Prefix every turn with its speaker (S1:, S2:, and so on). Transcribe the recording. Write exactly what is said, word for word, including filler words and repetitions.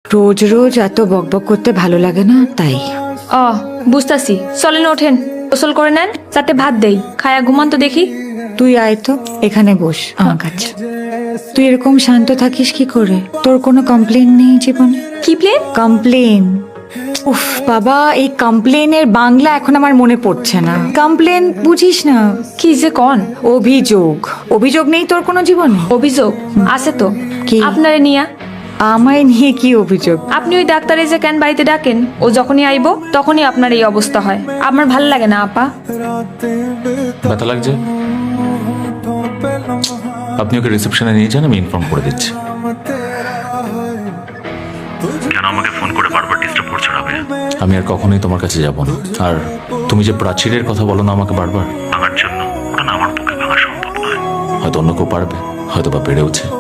S1: রোজ রোজ এত বকবক করতে ভালো লাগে না, তাই।
S2: ও বুঝতাছি, চলেন ওঠেন, গোসল করে নেন, যাতে ভাত দেই, খায়া ঘুমান তো দেখি।
S1: তুই আয় তো, এখানে বস আমার কাছে। তুই এরকম শান্ত থাকিস কি করে? তোর কোনো কমপ্লেন নেই জীবনে?
S2: কি প্লেন?
S1: কমপ্লেন। উফ বাবা, এই কমপ্লেনের বাংলা এখন আমার মনে পড়ছে না। কমপ্লেন বুঝিস না?
S2: কি যে কন?
S1: অভিযোগ। অভিযোগ নেই তোর কোনো জীবনে?
S2: অভিযোগ আছে তো।
S1: কি?
S2: আপনারে নিয়া।
S1: আমায় নিয়ে কি অভিযোগ?
S2: আপনি ওই ডাক্তারে যে কেন বাড়িতে ডাকেন, ও যখনই আইব তখনই আপনার এই অবস্থা হয়। আমার ভাল লাগে না আপা।
S3: ব্যথা লাগছে? আপনি ওকে রিসেপশনে নিয়ে যান, আমি ইনফর্ম করে দিচ্ছি।
S4: কেন আমাকে ফোন করে বারবার ডিস্টার্ব করছো রাবেয়া?
S3: আমি আর কখনোই তোমার কাছে যাব না। আর তুমি যে প্রাচীরের কথা বলো না আমাকে বারবার,
S4: ভাঙার জন্য ওটা না আমার পক্ষে ভাঙা সম্ভব নয়।
S3: হয়তো অন্য কেউ পারবে, হয়তো বা পেরেওছে।